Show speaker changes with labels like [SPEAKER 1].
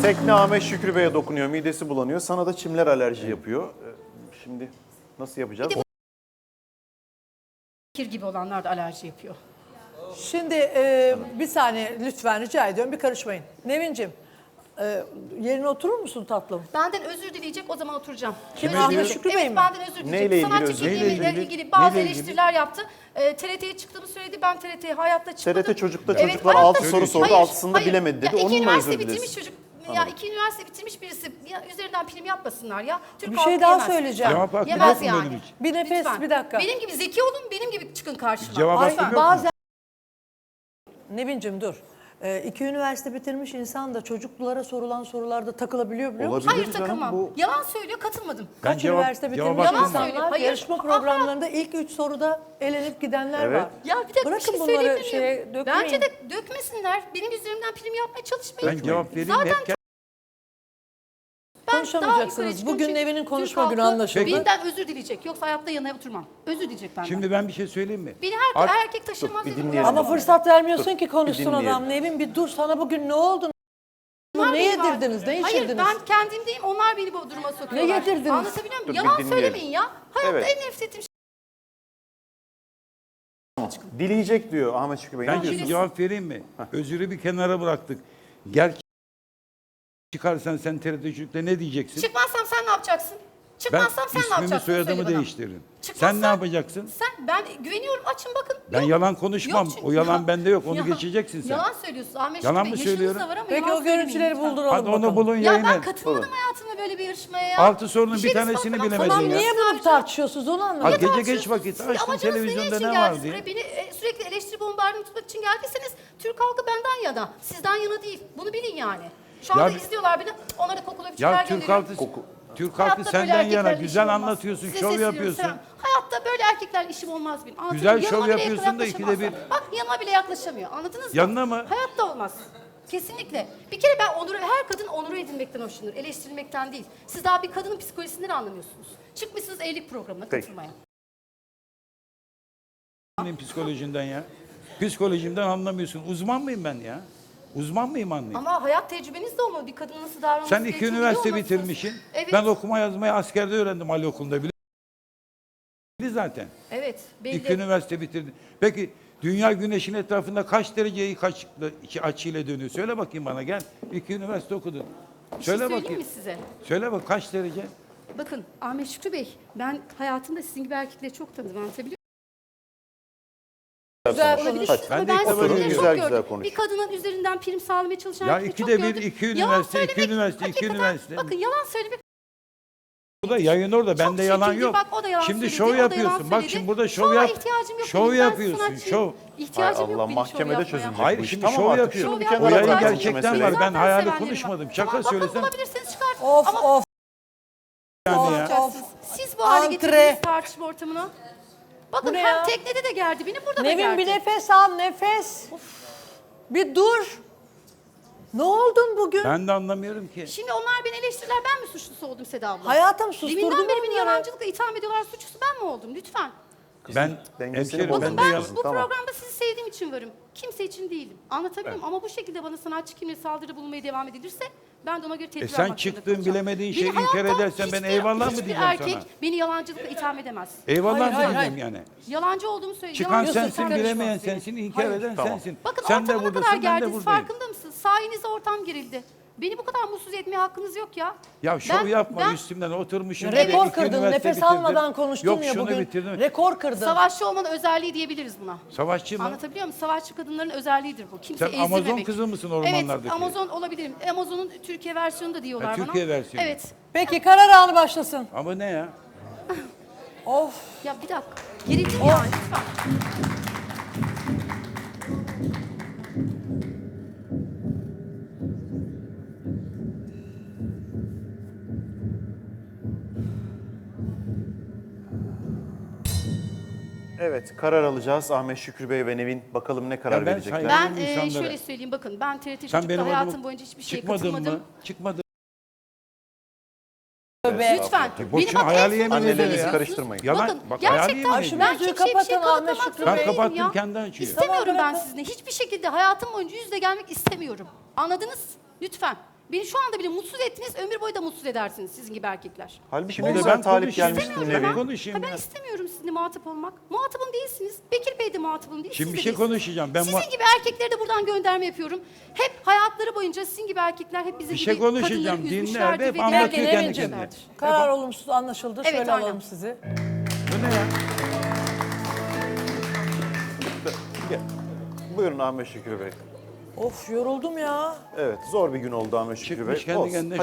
[SPEAKER 1] Tekne Ahmet Şükrü Bey'e dokunuyor, midesi bulanıyor. Sana da çimler alerji yapıyor. Şimdi nasıl yapacağız?
[SPEAKER 2] Kir gibi olanlar da alerji yapıyor.
[SPEAKER 3] Şimdi bir saniye lütfen rica ediyorum, bir karışmayın. Nevin'cim yerine oturur musun tatlım?
[SPEAKER 2] Benden özür dileyecek, o zaman oturacağım.
[SPEAKER 3] Kim,
[SPEAKER 2] Özür
[SPEAKER 3] Ahmet
[SPEAKER 2] dileyecek.
[SPEAKER 3] Şükrü Bey
[SPEAKER 2] Evet,
[SPEAKER 3] mi?
[SPEAKER 2] benden özür dileyecek.
[SPEAKER 1] Neyle ilgili
[SPEAKER 2] Sanatçı
[SPEAKER 1] özür?
[SPEAKER 2] kimliğiyle
[SPEAKER 1] Neyle
[SPEAKER 2] ilgili bazı
[SPEAKER 1] Neyle ilgili?
[SPEAKER 2] eleştiriler yaptı. TRT'ye çıktığımı söyledi. Ben TRT'ye hayatta çıkmadım.
[SPEAKER 1] TRT Çocuk'ta
[SPEAKER 2] Evet,
[SPEAKER 1] çocuklar
[SPEAKER 2] hayatta-
[SPEAKER 1] 6 soru sordu,
[SPEAKER 2] Hayır,
[SPEAKER 1] 6'sında
[SPEAKER 2] hayır.
[SPEAKER 1] bilemedi dedi.
[SPEAKER 2] Ya, iki
[SPEAKER 1] Onunla
[SPEAKER 2] üniversite
[SPEAKER 1] özür
[SPEAKER 2] bitirmiş
[SPEAKER 1] dilesin.
[SPEAKER 2] çocuk. Ya 2 üniversite bitirmiş birisi. Ya, üzerinden film yapmasınlar ya. Türk
[SPEAKER 3] Bir
[SPEAKER 2] halkı
[SPEAKER 3] şey daha
[SPEAKER 2] yemez.
[SPEAKER 3] söyleyeceğim.
[SPEAKER 4] Cevap hakkı
[SPEAKER 2] Yemez
[SPEAKER 4] yok mu
[SPEAKER 2] yani.
[SPEAKER 4] benim için?
[SPEAKER 3] Bir nefes,
[SPEAKER 2] Lütfen.
[SPEAKER 3] bir dakika.
[SPEAKER 2] Benim gibi zeki olun, benim gibi çıkın karşıma.
[SPEAKER 4] Cevap
[SPEAKER 3] Ay,
[SPEAKER 4] hakkım yok mu?
[SPEAKER 3] bazen Nevin'cim dur. 2 üniversite bitirmiş insan da çocuklara sorulan sorularda takılabiliyor biliyor musun?
[SPEAKER 1] Olabilir
[SPEAKER 2] Hayır
[SPEAKER 1] canım,
[SPEAKER 2] takılmam.
[SPEAKER 1] bu-
[SPEAKER 2] Yalan söylüyor, katılmadım.
[SPEAKER 4] Ben
[SPEAKER 3] Kaç
[SPEAKER 4] cevap-
[SPEAKER 3] üniversite
[SPEAKER 4] cevap
[SPEAKER 3] bitirmiş
[SPEAKER 4] hakkım
[SPEAKER 3] insanlar
[SPEAKER 2] var. Hayır.
[SPEAKER 3] yarışma programlarında ilk 3 soruda elenip gidenler
[SPEAKER 1] Evet.
[SPEAKER 3] var.
[SPEAKER 2] Ya bir dakika,
[SPEAKER 3] Bırakın
[SPEAKER 2] bir şey
[SPEAKER 3] bunları
[SPEAKER 2] söyleyebilir miyim?
[SPEAKER 3] şeye dökmeyin.
[SPEAKER 2] Bence de dökmesinler. Benim üzerimden prim yapmaya çalışmayın.
[SPEAKER 4] Ben cevap vereyim
[SPEAKER 2] Zaten
[SPEAKER 4] hep
[SPEAKER 2] ben
[SPEAKER 3] Konuşamayacaksınız.
[SPEAKER 2] daha yukarı çıkıyorum
[SPEAKER 3] Bugün
[SPEAKER 2] çünkü
[SPEAKER 3] Nevin'in konuşma
[SPEAKER 2] Türk halkı
[SPEAKER 3] günü anlaşıldı.
[SPEAKER 2] Benden özür dileyecek. Yoksa hayatta yanına oturmam. Özür dileyecek benden.
[SPEAKER 4] Şimdi ben bir şey söyleyeyim mi?
[SPEAKER 2] Beni
[SPEAKER 4] Art-
[SPEAKER 2] her erkek taşırmaz.
[SPEAKER 1] bir
[SPEAKER 2] dedim.
[SPEAKER 1] dinleyelim.
[SPEAKER 3] Ama fırsat vermiyorsun ki
[SPEAKER 1] bir
[SPEAKER 3] konuşsun
[SPEAKER 1] dinleyelim.
[SPEAKER 3] adam. Nevin bir dur, sana bugün ne oldu?
[SPEAKER 2] Onlar
[SPEAKER 3] Ne
[SPEAKER 2] beni var.
[SPEAKER 3] yedirdiniz, ne
[SPEAKER 2] Hayır
[SPEAKER 3] içirdiniz?
[SPEAKER 2] ben kendimdeyim. Onlar beni bu duruma sokuyorlar.
[SPEAKER 3] Ne yedirdiniz?
[SPEAKER 2] Anlatabiliyor muyum?
[SPEAKER 1] Dur, bir
[SPEAKER 2] Yalan
[SPEAKER 1] dinleyelim.
[SPEAKER 2] söylemeyin ya. Hayatta
[SPEAKER 1] Evet.
[SPEAKER 2] en nefret ettiğim
[SPEAKER 1] Dileyecek diyor Ahmet Şükrü Bey.
[SPEAKER 4] Ben
[SPEAKER 1] Ne
[SPEAKER 4] şimdi
[SPEAKER 1] diyorsun?
[SPEAKER 4] cevap vereyim mi? Özürü bir kenara bıraktık. Gel çıkarsan sen TRT Çocuk'ta ne diyeceksin?
[SPEAKER 2] Çıkmazsam sen ne yapacaksın?
[SPEAKER 4] Ben
[SPEAKER 2] Çıkmazsam sen ne
[SPEAKER 4] ismimi
[SPEAKER 2] yapacaksın?
[SPEAKER 4] soyadımı
[SPEAKER 2] Söyle bana.
[SPEAKER 4] değiştiririm.
[SPEAKER 2] Çıkmazsam-
[SPEAKER 4] Sen ne yapacaksın?
[SPEAKER 2] Ben güveniyorum, açın bakın.
[SPEAKER 4] Ben
[SPEAKER 2] Yok.
[SPEAKER 4] yalan konuşmam.
[SPEAKER 2] Yok çünkü-
[SPEAKER 4] O yalan bende yok. Onu
[SPEAKER 2] Ya-
[SPEAKER 4] geçeceksin sen.
[SPEAKER 2] Yalan söylüyorsun Ahmet
[SPEAKER 4] Yalan
[SPEAKER 2] Şükrü
[SPEAKER 4] mı
[SPEAKER 2] Bey. Yaşınız
[SPEAKER 4] söylüyorum?
[SPEAKER 2] da var ama
[SPEAKER 3] Peki
[SPEAKER 2] yalan
[SPEAKER 3] o görüntüleri
[SPEAKER 2] söylemeyin lütfen.
[SPEAKER 3] bulduralım
[SPEAKER 4] Hadi
[SPEAKER 3] bakalım.
[SPEAKER 4] onu bulun
[SPEAKER 2] Ya
[SPEAKER 4] yayına.
[SPEAKER 2] ben katılmadım hayatımda böyle bir yarışmaya ya.
[SPEAKER 4] 6 sorunun bir
[SPEAKER 2] şey
[SPEAKER 4] tanesini
[SPEAKER 2] sormadan-
[SPEAKER 4] bilemedin
[SPEAKER 3] Tamam
[SPEAKER 4] ya.
[SPEAKER 3] niye bunu tartışıyorsunuz onu
[SPEAKER 4] Ha,
[SPEAKER 3] anlamadım.
[SPEAKER 4] gece
[SPEAKER 2] tartışıyorsunuz?
[SPEAKER 4] geç vakit
[SPEAKER 2] Siz
[SPEAKER 4] açtın
[SPEAKER 2] amacınız
[SPEAKER 4] televizyonda
[SPEAKER 2] için
[SPEAKER 4] ne
[SPEAKER 2] geldiniz
[SPEAKER 4] var diye.
[SPEAKER 2] buraya? Beni sürekli eleştiri bombardımanı tutmak için geldiyseniz Türk halkı benden yana. Sizden yana değil. Bunu bilin yani. Şu anda
[SPEAKER 4] Ya-
[SPEAKER 2] izliyorlar beni. Onlara da kokulu öpücükler
[SPEAKER 4] Ya Türk
[SPEAKER 2] gönderiyorum.
[SPEAKER 4] halkı Türk
[SPEAKER 2] Hayatta
[SPEAKER 4] halkı
[SPEAKER 2] böyle
[SPEAKER 4] senden yana
[SPEAKER 2] erkeklerle
[SPEAKER 4] güzel
[SPEAKER 2] işim olmaz.
[SPEAKER 4] anlatıyorsun,
[SPEAKER 2] Size
[SPEAKER 4] şov
[SPEAKER 2] sesleniyorum,
[SPEAKER 4] yapıyorsun.
[SPEAKER 2] selam. Hayatta böyle erkeklerle işim olmaz benim. Anlatabiliyor
[SPEAKER 4] Güzel
[SPEAKER 2] muyum?
[SPEAKER 4] şov
[SPEAKER 2] Yanıma bile
[SPEAKER 4] yapıyorsun da ikide
[SPEAKER 2] yaklaşamazlar. Bak yanıma bile yaklaşamıyor. Anladınız mı?
[SPEAKER 4] Yanına mı?
[SPEAKER 2] Hayatta olmaz. Kesinlikle. Bir kere ben her kadın onuru edilmekten hoşlanır. Eleştirilmekten değil. Siz daha bir kadının psikolojisinden anlamıyorsunuz. Çıkmışsınız evlilik programına
[SPEAKER 1] Peki.
[SPEAKER 2] katılmaya.
[SPEAKER 4] Senin psikolojinden ya. Psikolojimden anlamıyorsun. Uzman mıyım ben ya? Uzman mıyım anlayayım?
[SPEAKER 2] Ama hayat tecrübeniz de olmalı. Bir kadının nasıl davranması
[SPEAKER 4] Sen 2
[SPEAKER 2] gerektiğini
[SPEAKER 4] üniversite
[SPEAKER 2] biliyor olmalısınız.
[SPEAKER 4] bitirmişsin.
[SPEAKER 2] Evet.
[SPEAKER 4] Ben okuma yazmayı askerde öğrendim Ali Okulu'nda. Belli zaten.
[SPEAKER 2] Evet. Belli.
[SPEAKER 4] 2 üniversite bitirdin. Peki dünya güneşin etrafında kaç dereceyi kaç açıyla dönüyor? Söyle bakayım bana gel. 2 üniversite okudun.
[SPEAKER 2] Bir şey
[SPEAKER 4] Söyle
[SPEAKER 2] söyleyeyim
[SPEAKER 4] bakayım.
[SPEAKER 2] mi size?
[SPEAKER 4] Söyle bak kaç derece?
[SPEAKER 2] Bakın Ahmet Şükrü Bey, ben hayatımda sizin gibi erkekleri çok tanıdım. Anlatabiliyor
[SPEAKER 3] Güzel
[SPEAKER 2] muyum?
[SPEAKER 3] konuş.
[SPEAKER 2] Olabilir.
[SPEAKER 4] Ben
[SPEAKER 2] Ama
[SPEAKER 4] de ilk defa
[SPEAKER 2] sizinkileri
[SPEAKER 4] görüyorum.
[SPEAKER 2] çok
[SPEAKER 1] Güzel
[SPEAKER 2] gördüm.
[SPEAKER 1] güzel konuş.
[SPEAKER 2] Bir kadının üzerinden prim sağlamaya çalışan
[SPEAKER 4] Ya
[SPEAKER 2] erkekleri çok
[SPEAKER 4] ikide bir,
[SPEAKER 2] gördüm.
[SPEAKER 4] 2
[SPEAKER 2] Yalan
[SPEAKER 4] üniversite, 2
[SPEAKER 2] söylemek,
[SPEAKER 4] üniversite, 2
[SPEAKER 2] hakikaten,
[SPEAKER 4] üniversite.
[SPEAKER 2] Bakın yalan söylemek.
[SPEAKER 4] Bu da yayın orada.
[SPEAKER 2] Çok
[SPEAKER 4] Bende yalan
[SPEAKER 2] çirkindi.
[SPEAKER 4] yok.
[SPEAKER 2] Bak, o da yalan
[SPEAKER 4] Şimdi
[SPEAKER 2] söyledi,
[SPEAKER 4] şov
[SPEAKER 2] o da yalan
[SPEAKER 4] yapıyorsun. Bak
[SPEAKER 2] söyledi.
[SPEAKER 4] şimdi burada şov
[SPEAKER 2] Şova
[SPEAKER 4] yap.
[SPEAKER 2] ihtiyacım yok
[SPEAKER 4] Şov
[SPEAKER 2] benim. Ben
[SPEAKER 4] yapıyorsun.
[SPEAKER 2] sanatçıyım.
[SPEAKER 4] Şov.
[SPEAKER 2] İhtiyacım
[SPEAKER 1] Hay
[SPEAKER 2] yok
[SPEAKER 1] Allah,
[SPEAKER 2] benim
[SPEAKER 1] mahkemede
[SPEAKER 2] şov yapmaya.
[SPEAKER 1] çözülecek.
[SPEAKER 4] Hayır
[SPEAKER 1] bu iş.
[SPEAKER 4] şimdi
[SPEAKER 1] Tamam
[SPEAKER 4] şov
[SPEAKER 1] artık,
[SPEAKER 4] yapıyor.
[SPEAKER 1] şunu bir
[SPEAKER 2] Şov
[SPEAKER 1] kenara
[SPEAKER 4] O yayın
[SPEAKER 1] bırak.
[SPEAKER 2] yapmak
[SPEAKER 4] gerçekten
[SPEAKER 1] Mesele.
[SPEAKER 4] var. Ben
[SPEAKER 2] Zaten
[SPEAKER 4] hayali
[SPEAKER 2] sevenlerim
[SPEAKER 4] konuşmadım.
[SPEAKER 2] var.
[SPEAKER 4] Şaka
[SPEAKER 2] Tamam, bakın
[SPEAKER 4] söylesem.
[SPEAKER 2] bulabilirseniz çıkar.
[SPEAKER 3] Of
[SPEAKER 2] Ama
[SPEAKER 3] of.
[SPEAKER 4] Yani ya.
[SPEAKER 2] yapacaksınız. Siz bu hale
[SPEAKER 3] Antre.
[SPEAKER 2] getirdiniz tartışma ortamına. Bakın
[SPEAKER 3] Bu ne
[SPEAKER 2] hem
[SPEAKER 3] ya?
[SPEAKER 2] teknede de gerdi beni, burada da
[SPEAKER 3] Nevin
[SPEAKER 2] gerdi.
[SPEAKER 3] bir nefes al, nefes. Bir dur. Ne oldun bugün?
[SPEAKER 4] Ben de anlamıyorum ki.
[SPEAKER 2] Şimdi onlar beni eleştirirler, ben mi suçlusu oldum Seda abla?
[SPEAKER 3] Hayatım susturdun
[SPEAKER 2] Deminden beri beni
[SPEAKER 3] onları.
[SPEAKER 2] yalancılıkla itham ediyorlar, suçlusu ben mi oldum? Lütfen.
[SPEAKER 4] Ben
[SPEAKER 1] dengesini
[SPEAKER 4] hemşerim
[SPEAKER 1] bozma.
[SPEAKER 4] ben
[SPEAKER 2] Bakın
[SPEAKER 4] de
[SPEAKER 2] ben
[SPEAKER 4] yalan.
[SPEAKER 2] bu
[SPEAKER 1] Tamam.
[SPEAKER 2] programda sizi sevdiğim için varım. Kimse için değilim. Anlatabiliyor muyum? Ama bu şekilde bana sanatçı kimliğe saldırı bulunmaya devam edilirse ben de ona göre tedbir
[SPEAKER 4] sen
[SPEAKER 2] almak zorunda
[SPEAKER 4] çıktığın
[SPEAKER 2] kalacağım.
[SPEAKER 4] bilemediğin
[SPEAKER 2] Beni
[SPEAKER 4] şeyi inkar
[SPEAKER 2] hayatta
[SPEAKER 4] edersen ben
[SPEAKER 2] hiçbir-
[SPEAKER 4] eyvallah mı
[SPEAKER 2] hiçbir
[SPEAKER 4] diyeceğim
[SPEAKER 2] erkek
[SPEAKER 4] sana?
[SPEAKER 2] beni yalancılıkla itham edemez.
[SPEAKER 4] Eyvallah
[SPEAKER 3] Hayır,
[SPEAKER 4] mı
[SPEAKER 3] hayır,
[SPEAKER 4] diyeceğim
[SPEAKER 3] hayır.
[SPEAKER 4] yani?
[SPEAKER 2] Yalancı olduğumu söyleyeyim.
[SPEAKER 4] Çıkan
[SPEAKER 2] Yalancı
[SPEAKER 4] sensin,
[SPEAKER 2] söylüyorum.
[SPEAKER 4] bilemeyen sensin, inkar eden
[SPEAKER 1] Tamam.
[SPEAKER 4] sensin.
[SPEAKER 2] Bakın
[SPEAKER 4] Sen de
[SPEAKER 2] ortama ne kadar
[SPEAKER 4] buradasın, ben de
[SPEAKER 2] gerdiniz,
[SPEAKER 4] buradayım.
[SPEAKER 2] farkında mısınız? Sayenizde ortam gerildi. Beni bu kadar mutsuz etmeye hakkınız yok ya.
[SPEAKER 4] Ya şov
[SPEAKER 2] Ben-
[SPEAKER 4] yapma
[SPEAKER 2] ben-
[SPEAKER 4] üstümden oturmuşum.
[SPEAKER 3] Rekor
[SPEAKER 4] iki
[SPEAKER 3] kırdın,
[SPEAKER 4] üniversite
[SPEAKER 3] nefes
[SPEAKER 4] bitirdim.
[SPEAKER 3] almadan konuştun
[SPEAKER 4] Yok,
[SPEAKER 3] ya
[SPEAKER 4] şunu
[SPEAKER 3] bugün.
[SPEAKER 4] bitirdim.
[SPEAKER 3] Rekor kırdın.
[SPEAKER 2] Savaşçı olmanın özelliği diyebiliriz buna.
[SPEAKER 4] Savaşçı mı?
[SPEAKER 2] Anlatabiliyor muyum? Savaşçı kadınların özelliğidir bu. Kimse
[SPEAKER 4] Sen Amazon
[SPEAKER 2] ezdirmemek.
[SPEAKER 4] kızı mısın ormanlardaki?
[SPEAKER 2] Evet, Amazon olabilirim. Amazon'un Türkiye versiyonu da diyorlar
[SPEAKER 4] Ha,
[SPEAKER 2] bana.
[SPEAKER 4] Türkiye versiyonu.
[SPEAKER 2] Evet.
[SPEAKER 3] Peki karar anı başlasın.
[SPEAKER 4] Ama ne ya?
[SPEAKER 3] Of.
[SPEAKER 2] Ya bir dakika. Gerildim yani lütfen.
[SPEAKER 1] Evet, karar alacağız. Ahmet Şükrü Bey ve Nevin bakalım ne karar
[SPEAKER 4] Ya ben
[SPEAKER 1] verecekler.
[SPEAKER 4] saygı-
[SPEAKER 2] Ben
[SPEAKER 4] insanlara-
[SPEAKER 2] şöyle söyleyeyim bakın ben TRT
[SPEAKER 4] Sen
[SPEAKER 2] Çocuk'ta
[SPEAKER 4] benim
[SPEAKER 2] hayatım
[SPEAKER 4] adıma
[SPEAKER 2] boyunca hiçbir şeye
[SPEAKER 4] çıkmadın
[SPEAKER 2] katılmadım.
[SPEAKER 4] mı? Çıkmadın.
[SPEAKER 3] Tövbe.
[SPEAKER 2] Lütfen.
[SPEAKER 4] Boşuna
[SPEAKER 2] bak en
[SPEAKER 4] hayali
[SPEAKER 2] son
[SPEAKER 4] yemin
[SPEAKER 2] söylediğiniz
[SPEAKER 4] ediyorum ya.
[SPEAKER 2] diyorsunuz.
[SPEAKER 1] Karıştırmayın.
[SPEAKER 4] Yalan.
[SPEAKER 2] Bakın
[SPEAKER 4] Bak, hayali
[SPEAKER 2] gerçekten
[SPEAKER 4] yemin
[SPEAKER 3] Ay, şu
[SPEAKER 2] ben
[SPEAKER 3] mevzuyu
[SPEAKER 2] kimseye bir şey
[SPEAKER 3] kapatın Ahmet
[SPEAKER 2] kanıtlamak
[SPEAKER 3] Şükrü
[SPEAKER 2] zorunda
[SPEAKER 3] Bey.
[SPEAKER 2] değilim
[SPEAKER 4] kapattım,
[SPEAKER 2] ya.
[SPEAKER 4] kendi açıyor.
[SPEAKER 2] İstemiyorum
[SPEAKER 3] Tamam,
[SPEAKER 2] ben
[SPEAKER 3] bırakın.
[SPEAKER 2] sizinle. Hiçbir şekilde hayatım boyunca yüz yüze gelmek istemiyorum. Anladınız? Lütfen. Beni şu anda bile mutsuz ettiniz, ömür boyu da mutsuz edersiniz sizin gibi erkekler.
[SPEAKER 1] Halbuki
[SPEAKER 4] Şimdi
[SPEAKER 1] ne
[SPEAKER 4] de
[SPEAKER 1] güzel
[SPEAKER 4] ben
[SPEAKER 1] talip
[SPEAKER 4] konuşayım.
[SPEAKER 1] gelmiştin
[SPEAKER 4] İstemiyorum
[SPEAKER 1] Nevin.
[SPEAKER 4] ben. Konuşayım
[SPEAKER 2] Ben
[SPEAKER 4] ya.
[SPEAKER 2] istemiyorum sizinle muhatap olmak. Muhatabım değilsiniz. Bekir Bey de muhatabım değil.
[SPEAKER 4] Şimdi
[SPEAKER 2] siz
[SPEAKER 4] bir
[SPEAKER 2] de
[SPEAKER 4] şey
[SPEAKER 2] değilsiniz.
[SPEAKER 4] konuşacağım. Ben
[SPEAKER 2] sizin gibi erkeklere de buradan gönderme yapıyorum. Hep hayatları boyunca sizin gibi erkekler hep bizim
[SPEAKER 4] Bir şey
[SPEAKER 2] gibi
[SPEAKER 4] konuşacağım.
[SPEAKER 2] kadınları
[SPEAKER 4] Dinler
[SPEAKER 2] üzmüşlerdir
[SPEAKER 4] de hep
[SPEAKER 2] ve
[SPEAKER 4] anlatıyor
[SPEAKER 3] Peki
[SPEAKER 2] diğer
[SPEAKER 4] kendi
[SPEAKER 3] Nevin'cim,
[SPEAKER 4] kendine.
[SPEAKER 3] karar olumsuz anlaşıldı.
[SPEAKER 2] Evet,
[SPEAKER 3] Şöyle
[SPEAKER 2] aynen.
[SPEAKER 3] alalım sizi.
[SPEAKER 4] Bu ne ya?
[SPEAKER 1] Gel. Buyurun Ahmet Şükrü Bey.
[SPEAKER 3] Of yoruldum ya.
[SPEAKER 1] Evet, zor bir gün oldu Ahmet Şükrü Bey.
[SPEAKER 4] Çıkmış kendi
[SPEAKER 1] Olsun.
[SPEAKER 4] kendine